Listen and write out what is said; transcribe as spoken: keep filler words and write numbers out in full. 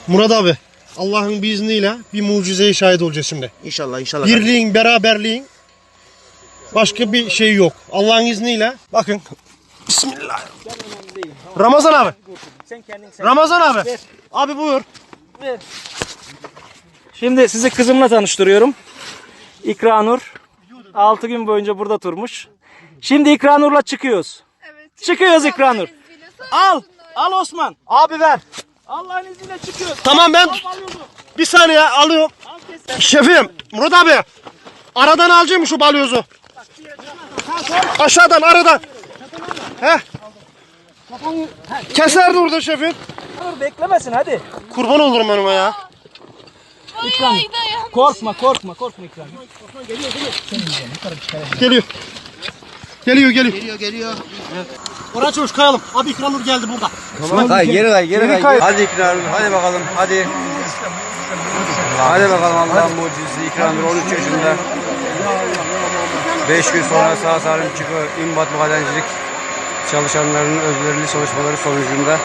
Murat abi, Allah'ın bir izniyle bir mucizeye şahit olacağız şimdi. İnşallah inşallah. Birliğin, beraberliğin başka bir şey yok. Allah'ın izniyle. Bakın. Bismillah. Ramazan abi. Sen kendin sen. Ramazan abi. Ver. Abi buyur. Ver. Şimdi sizi kızımla tanıştırıyorum. İkranur. altı gün boyunca burada durmuş. Şimdi İkranur'la çıkıyoruz. Evet. Çıkıyoruz İkranur. Al. Al Osman. Abi ver. Allah'ın izniyle çıkıyoruz. Tamam ben Al balyozu. bir saniye alıyorum. Al kes. Şefim, Murat abi. Aradan alacağım şu balyozu. Aşağıdan, aradan. Heh. Keser durdu şefim. Dur beklemesin hadi. Kurban olurum önüme ya. İkranur. Korkma korkma korkma İkranur. Geliyor. Geliyor, geliyor. Geliyor geliyor. Oraya çavuş kayalım. Abi İkranur geldi burada. Tamam. Kay, geri kay, geri kay. kay. Hadi İkranur, hadi bakalım, hadi. Hadi bakalım Allah'ın mucizesi İkranur on üç yaşında. beş gün sonra sağ salim çıkıyor. İmbat madencilik çalışanlarının özverili çalışmaları sonucunda